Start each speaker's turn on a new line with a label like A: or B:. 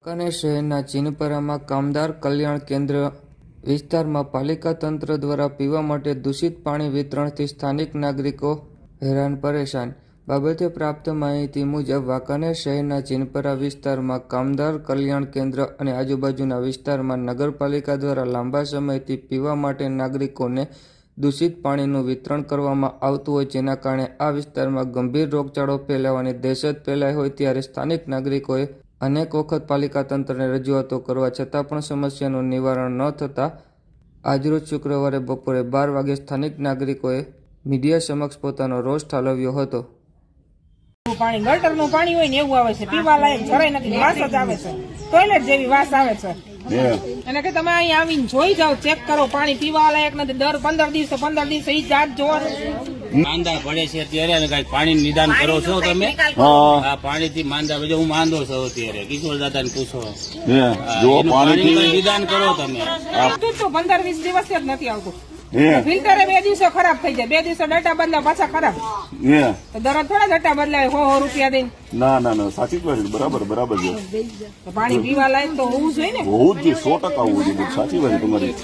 A: વાંકાનેર શહેરના ચીનપરામાં કામદાર કલ્યાણ કેન્દ્ર વિસ્તારમાં પાલિકા તંત્ર દ્વારા પીવા માટે દૂષિત પાણી વિતરણથી સ્થાનિક નાગરિકો હેરાન પરેશાન। બાબતે પ્રાપ્ત માહિતી મુજબ વાંકાનેર શહેરના ચીનપરા વિસ્તારમાં કામદાર કલ્યાણ કેન્દ્ર અને આજુબાજુના વિસ્તારમાં નગરપાલિકા દ્વારા લાંબા સમયથી પીવા માટે નાગરિકોને દૂષિત પાણીનું વિતરણ કરવામાં આવતું હોય, જેના કારણે આ વિસ્તારમાં ગંભીર રોગચાળો ફેલાવાની દહેશત ફેલાઈ હોય ત્યારે સ્થાનિક નાગરિકોએ અનેક વખત પાલિકા તંત્રને રજૂઆતો કરવા છતાં પણ સમસ્યાનું નિવારણ ન થતાં આજરોજ શુક્રવારે બપોરે 12 વાગે સ્થાનિક નાગરિકોએ મીડિયા સમક્ષ પોતાનો રોષ ઠાલવ્યો હતો।
B: પાણી ગટરનું પાણી હોય ને એવું આવે છે, પીવા લાયક જરાય નથી, વાસ જ આવે છે, ટોયલેટ જેવી વાસ આવે છે। એને કે તમે અહીં આવીને જોઈ જાઓ, ચેક કરો, પાણી પીવા લાયક નથી। દર 15 દિવસે ઈ જાત જોવાનું
C: માંદા પડે છે અત્યારે કઈ પાણી નિદાન કરો છો તમે? હા, પાણી થી માંદા પડે, હું માંદો છું અત્યારે, કિશોર દાદા ને પૂછો, પાણી નિદાન કરો તમે।
B: 15-20 દિવસ જ નથી આવતું, ફિલ્ટર 2 દિવસે ખરાબ થઈ જાય, 2 દિવસે ડટા બદલા પાછા ખરાબ, તો દરરોજ થોડા ડટા બદલાય 100 રૂપિયા દઈને?
D: ના સાચી જ વાત, બરાબર છે।
B: પાણી પીવા લાયક તો હોવું જોઈએ ને,
D: હોવું જ જોઈએ, 100% હોવું જોઈએ, સાચી વાત તમારી।